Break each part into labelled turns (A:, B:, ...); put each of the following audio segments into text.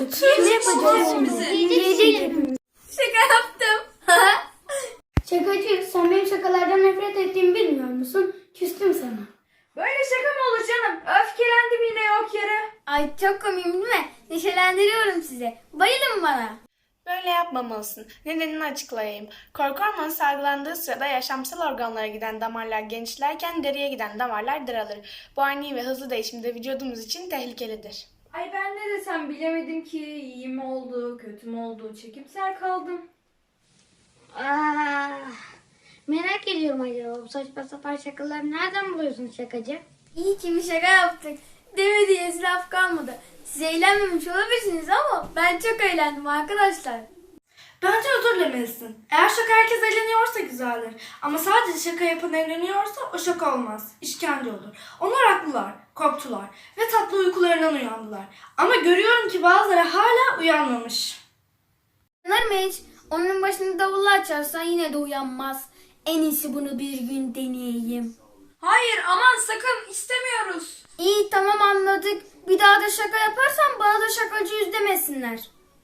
A: Ne yapacağız şimdi? Yiyecek hepimiz.
B: Şaka yaptım.
A: Şakacı, sen benim şakalardan nefret ettiğimi bilmiyor musun? Küstüm sana.
B: Böyle şaka mı olur canım? Öfkelendim yine yok yere. Ay çok komiyim değil mi? Neşelendiriyorum sizi. Bayılın bana.
C: Böyle yapmamalısın. Nedenini açıklayayım. Korku hormonu salgılandığı sırada yaşamsal organlara giden damarlar genişlerken deriye giden damarlar daralır. Bu ani ve hızlı değişim de vücudumuz için tehlikelidir.
B: Ay ben ne desem bilemedim ki. İyi mi oldu, kötü mü oldu? Çekimser kaldım.
A: Merak ediyorum acaba bu saçma sapan şakaları nereden buluyorsun şakacı?
B: İyi ki bir şaka yaptık. Demediğiniz laf kalmadı. Siz eğlenmemiş olabilirsiniz ama ben çok eğlendim arkadaşlar.
D: Bence özür dilemelisin. Eğer şaka herkes eğleniyorsa güzeldir. Ama sadece şaka yapan eğleniyorsa o şaka olmaz. İşkence olur. Onlar haklılar, korktular ve tatlı uykularından uyandılar. Ama görüyorum ki bazıları hala uyanmamış.
B: Sanırım hiç. Onun başını davulla açarsan yine de uyanmaz. En iyisi bunu bir gün deneyeyim. Hayır aman sakın istemiyoruz. İyi tamam anladık. Bir daha da şaka yaparsan bana da şakacıyız demesinler.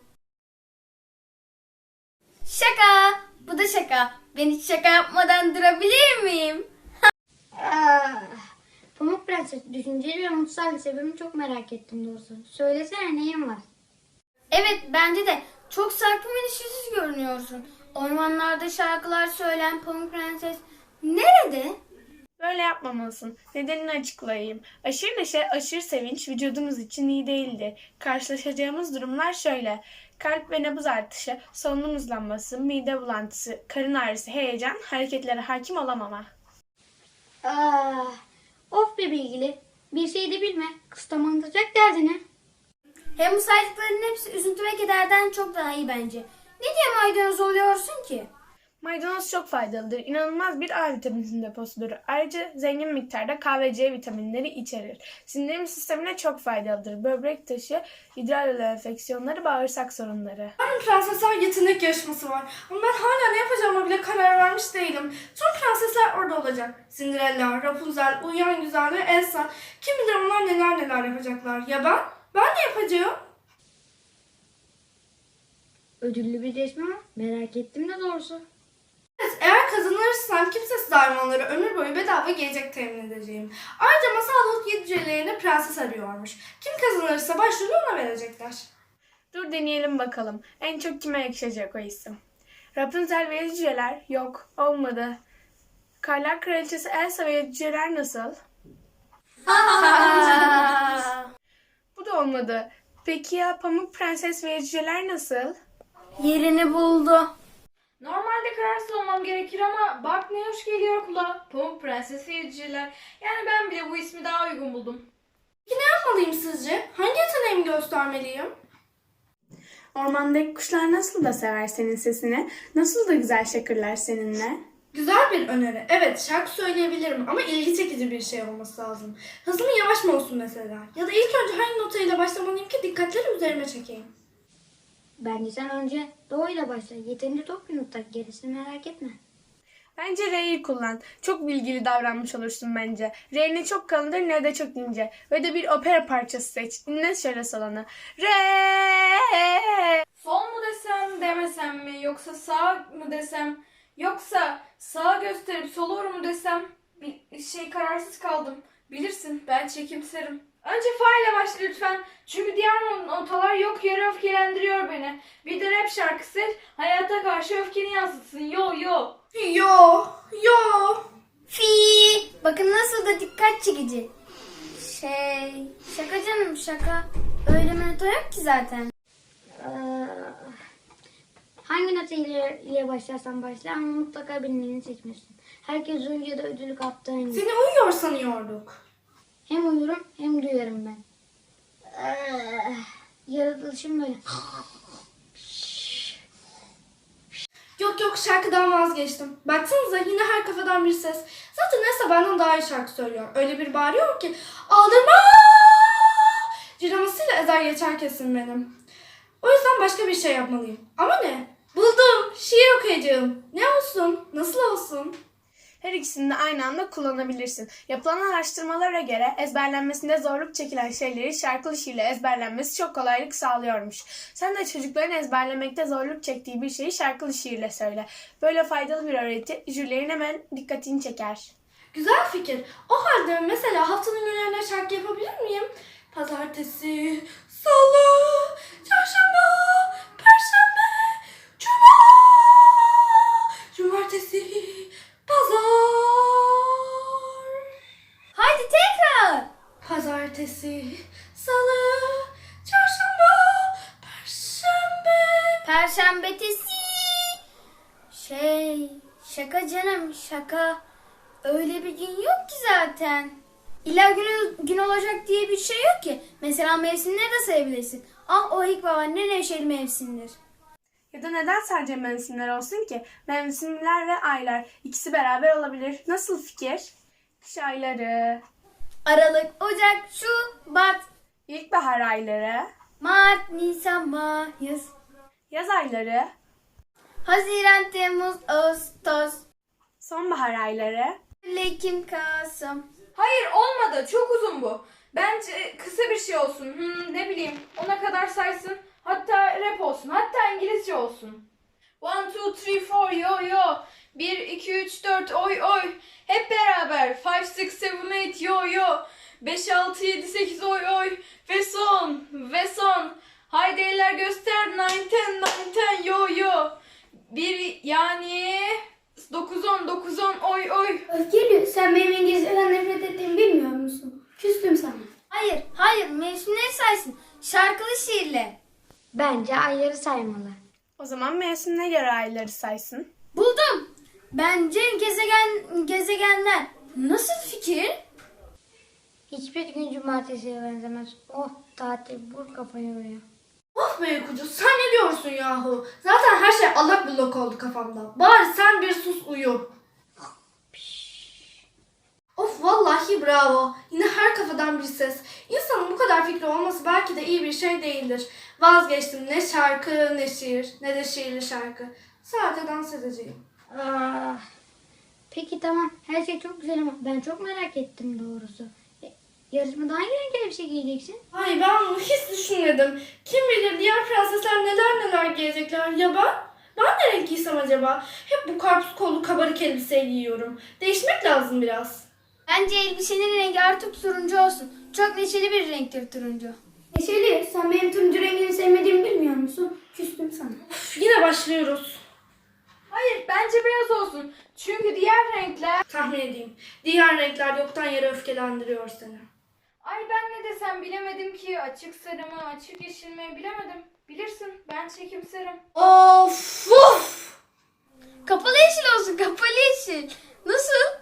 B: Şaka. Bu da şaka. Ben hiç şaka yapmadan durabilir miyim?
A: Pamuk Prenses düşünceli ve mutsal sebebini çok merak ettim doğrusu. Söylesene neyin var?
B: Evet bence de. Çok sakin ve neşesiz görünüyorsun. Ormanlarda şarkılar söyleyen Pamuk Prenses nerede?
C: Böyle yapmamalısın. Nedenini açıklayayım. Aşırı neşe, aşırı sevinç vücudumuz için iyi değildir. Karşılaşacağımız durumlar şöyle. Kalp ve nabız artışı, solunum hızlanması, mide bulantısı, karın ağrısı, heyecan, hareketlere hakim olamama.
A: Of be bilgili. Bir şey de bilme. Kıstamanlayacak derdine.
B: Hem bu saydıklarının hepsi üzüntü ve kederden çok daha iyi bence. Ne diye maydanoz oluyorsun ki?
C: Maydanoz çok faydalıdır. İnanılmaz bir A vitamininin deposudur. Ayrıca zengin miktarda K ve C vitaminleri içerir. Sindirim sistemine çok faydalıdır. Böbrek taşı, idrar yolu enfeksiyonları, bağırsak sorunları.
D: Yarın prensesler yetenek yarışması var. Ama ben hala ne yapacağıma bile karar vermiş değilim. Tüm prensesler orada olacak. Cinderella, Rapunzel, Uyuyan Güzel ve Elsa. Kim bilir onlar neler neler yapacaklar. Ya ben? Ben ne yapacağım?
A: Ödüllü bir resmi var. Merak ettim de doğrusu.
D: Evet, eğer kazanırsam kimsesiz hayvanlara ömür boyu bedava gelecek temin edeceğim. Ayrıca masal yedi cücelerine prenses arıyormuş. Kim kazanırsa başrolü ona verecekler.
C: Dur deneyelim bakalım. En çok kime yakışacak o isim? Rapunzel ve Yedi Cüceler? Yok, olmadı. Karlar Kraliçesi Elsa ve Yedi Cüceler nasıl? Bu da olmadı. Peki ya Pamuk Prenses ve Yedi Cüceler nasıl?
B: Yerini buldu. Normalde kararsız olmam gerekir ama bak ne hoş geliyor kulağa. Pamuk Prenses ve Yediciler. Yani ben bile bu ismi daha uygun buldum.
D: Peki ne yapmalıyım sizce? Hangi yeteneğimi göstermeliyim?
C: Ormandaki kuşlar nasıl da sever senin sesini, nasıl da güzel şakırlar seninle.
D: Güzel bir öneri. Evet, şarkı söyleyebilirim ama ilgi çekici bir şey olması lazım. Hızlı mı yavaş mı olsun mesela? Ya da ilk önce hangi notayla başlamalıyım ki dikkatleri üzerime çekeyim?
A: Bence sen önce doğuyla başla. Yeterince top yumurta. Gerisini merak etme.
C: Bence R'yi kullan. Çok bilgili davranmış olursun bence. R ne çok kalındır ne de çok ince. Ve de bir opera parçası seç. Dinle şöyle salonu. Re.
B: Sol mu desem demesem mi yoksa sağ mı desem yoksa sağa gösterip sola mu desem bir kararsız kaldım. Bilirsin ben çekimserim. Önce fa ile başla lütfen. Çünkü diğer notalar yok yere öfkelendiriyor beni. Bir de rap şarkısı hayata karşı öfkeni yansıtsın. Yo yo.
D: Yo, yo.
B: Fi. Bakın nasıl da dikkat çekici. Şaka canım şaka. Öyle mento yok ki zaten.
A: Hangi nota ile başlarsan başla ama mutlaka bilmeni seçmişsin. Herkes önce de ödülü kaptığı aynı.
D: Seni uyuyor sanıyorduk.
A: Hem uyurum hem duyarım ben. Yaratılışım böyle.
D: Yok şarkıdan vazgeçtim. Baksanıza yine her kafadan bir ses. Zaten Elsa benden daha iyi şarkı söylüyor. Öyle bir bağırıyor ki aldırma ciramasıyla ezer geçer kesin benim. O yüzden başka bir şey yapmalıyım. Ama ne? Buldum. Şiir okuyacağım. Ne olsun? Nasıl olsun?
C: Her ikisini de aynı anda kullanabilirsin. Yapılan araştırmalara göre ezberlenmesinde zorluk çekilen şeyleri şarkılı şiirle ezberlenmesi çok kolaylık sağlıyormuş. Sen de çocukların ezberlemekte zorluk çektiği bir şeyi şarkılı şiirle söyle. Böyle faydalı bir öğreti jürilerin hemen dikkatini çeker.
D: Güzel fikir. O halde mesela haftanın günlerine şarkı yapabilir miyim? Pazartesi, salı, çarşamba, perşembe, cuma, cumartesi, pazar.
A: Haydi tekrar.
D: Pazartesi, salı, çarşamba, perşembe.
A: Perşembetesi. Şaka canım şaka. Öyle bir gün yok ki zaten. İlla gün olacak diye bir şey yok ki. Mesela mevsimleri de sayabilirsin. Ah o ilkbahar ne neşeli mevsimdir.
C: Ya da neden sadece mevsimler olsun ki? Mevsimler ve aylar ikisi beraber olabilir. Nasıl fikir? Kış ayları,
A: Aralık, Ocak, Şubat,
C: ilkbahar ayları,
A: Mart, Nisan, Mayıs,
C: yaz ayları,
A: Haziran, Temmuz, Ağustos,
C: sonbahar ayları.
A: Ekim, Kasım.
B: Hayır olmadı. Çok uzun bu. Bence kısa bir şey olsun. Ne bileyim. Ona kadar saysın. Hatta rap olsun. Hatta İngilizce olsun. 1, 2, 3, 4 yo yo. 1, 2, 3, 4 oy oy. Hep beraber. 5, 6, 7, 8 yo yo. 5, 6, 7, 8 oy oy. Ve son. Ve son. Haydi eller göster. 9, 10, 9, 10 yo yo. 1 yani 9, 10, 9, 10 oy oy.
E: Özgür, sen benim İngilizceden nefret ettiğimi bilmiyor musun? Küstüm sana.
A: Hayır mevsimleri saysın. Şarkılı şiirle. Bence ayları saymalı.
C: O zaman mevsimine göre ayları saysın.
A: Buldum. Bence gezegenler. Nasıl fikir? Hiçbir gün cumartesiye benzemez. Oh tatil vur kafayı oraya.
D: Of be uykucu, sen ne diyorsun yahu? Zaten her şey allak bullak oldu kafamda. Bari sen bir sus uyu. Of vallahi bravo. Yine her kafadan bir ses. İnsanın bu kadar fikri olması belki de iyi bir şey değildir. Vazgeçtim, ne şarkı ne şiir ne de şiirli şarkı. Sadece dans edeceğim.
A: Peki tamam. Her şey çok güzel ama ben çok merak ettim doğrusu. Yarışmada hangi renk elbise giyeceksin?
D: Ay ben bunu hiç düşünmedim. Kim bilir diğer prensesler neler giyecekler ya ben? Ben ne renk giysem acaba? Hep bu karpuz kollu kabarık elbise giyiyorum. Değişmek lazım biraz.
A: Bence elbisenin rengi artık turuncu olsun. Çok neşeli bir renktir turuncu.
E: Neşeli, sen benim turuncu rengini sevmediğimi bilmiyor musun? Küstüm sana.
D: Üf, yine başlıyoruz.
B: Hayır bence beyaz olsun. Çünkü diğer renkler...
D: Tahmin edeyim. Diğer renkler yoktan yere öfkelendiriyor seni.
B: Ay ben ne desem bilemedim ki. Açık sarı mı, açık yeşil mi bilemedim. Bilirsin ben çekimserim.
D: Of!
A: Kapalı yeşil olsun, kapalı yeşil. Nasıl?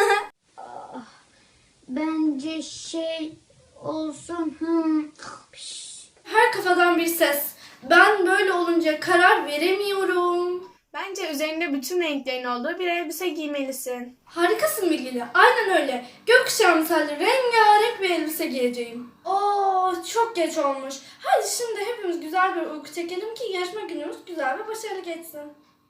A: Bence olsun.
D: Her kafadan bir ses. Ben böyle olunca karar veremiyorum.
C: Bence üzerinde bütün renklerin olduğu bir elbise giymelisin.
D: Harikasın Bilgili. Aynen öyle. Gökkuşağı misali rengarenk bir elbise giyeceğim. Oo, çok geç olmuş. Hadi şimdi hepimiz güzel bir uyku çekelim ki yarışma günümüz güzel ve başarılı geçsin.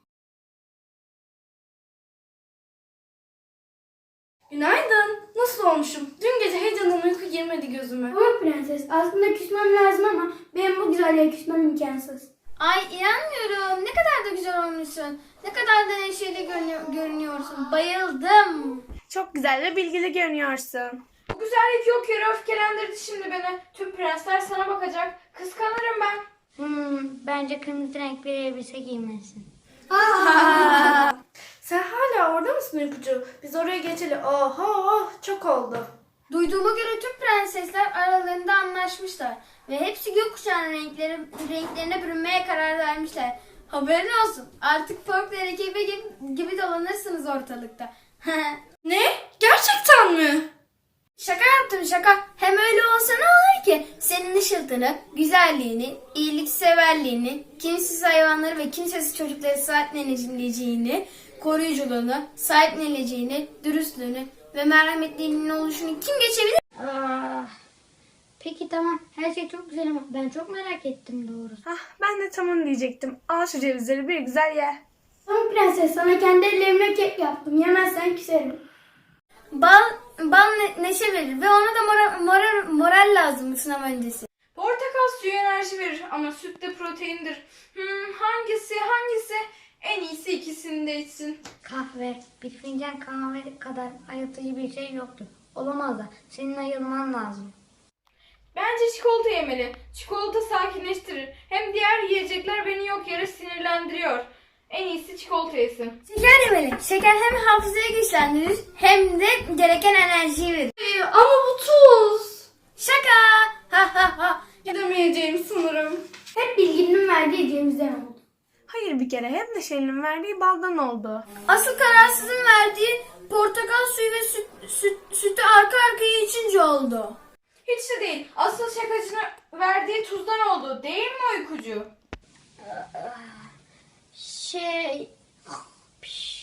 D: Günaydın. Nasıl olmuşum? Dün gece heyecandan uyku girmedi gözüme.
E: Ama prenses, aslında küsmem lazım ama benim bu güzelliğe küsmem imkansız.
A: Ay inanmıyorum. Ne kadar da güzel olmuşsun. Ne kadar da neşeli görünüyorsun. Bayıldım.
C: Çok güzel ve bilgili görünüyorsun.
B: Bu güzellik yok yere öfkelendirdi şimdi beni. Tüm prensler sana bakacak. Kıskanırım ben.
A: Bence kırmızı renk bir elbise giymelisin.
D: Sen hala orada mısın uykucu? Biz oraya geçeli. Oho, çok oldu.
A: Duyduğuma göre tüm prensesler aralarında anlaşmışlar. Ve hepsi gökkuşağının renklerine bürünmeye karar vermişler. Haberin olsun. Artık folklor ekibi gibi dolanırsınız ortalıkta.
D: Ne? Gerçekten mi?
A: Şaka yaptım şaka. Hem öyle olsa ne olur ki? Senin ışıltını, güzelliğini, iyilikseverliğini, kimsesiz hayvanları ve kimsesiz çocukları sahipleneceğini, koruyuculuğunu, sahipleneceğini, dürüstlüğünü ve merhametliğinin oluşunu kim geçebilir? Peki tamam. Her şey çok güzel ama ben çok merak ettim doğrusu.
C: Ben de tam onu diyecektim. Al şu cevizleri bir güzel ye.
E: Pamuk Prenses, sana kendi ellerimle kek yaptım. Yemezsen küserim.
A: Bal neşe verir ve ona da moral lazım sınav öncesi.
B: Portakal suyu enerji verir ama süt de proteindir. Hangisi? En iyisi ikisini de içsin.
F: Kahve, bir fincan kahve kadar ayıltıcı bir şey yoktur. Olamaz da senin ayılman lazım.
B: Bence çikolata yemeli. Çikolata sakinleştirir. Hem diğer yiyecekler beni yok yere sinirlendiriyor. En iyisi çikolata yesin.
A: Şeker yemeli. Şeker hem hafızayı güçlendirir hem de gereken enerjiyi verir.
D: Ama bu tuz.
A: Şaka! Ha ha ha!
D: Gidemeyeceğim sanırım.
E: Hep bilginin verdiği Cemiz'den oldu.
C: Hayır bir kere hep Neşeli'nin verdiği baldan oldu.
A: Asıl kararsızın verdiği portakal suyu ve sütü arka arkaya içince oldu.
B: Hiç de değil. Asıl şakacının verdiği tuzdan oldu. Değil mi uykucu?
F: Şey...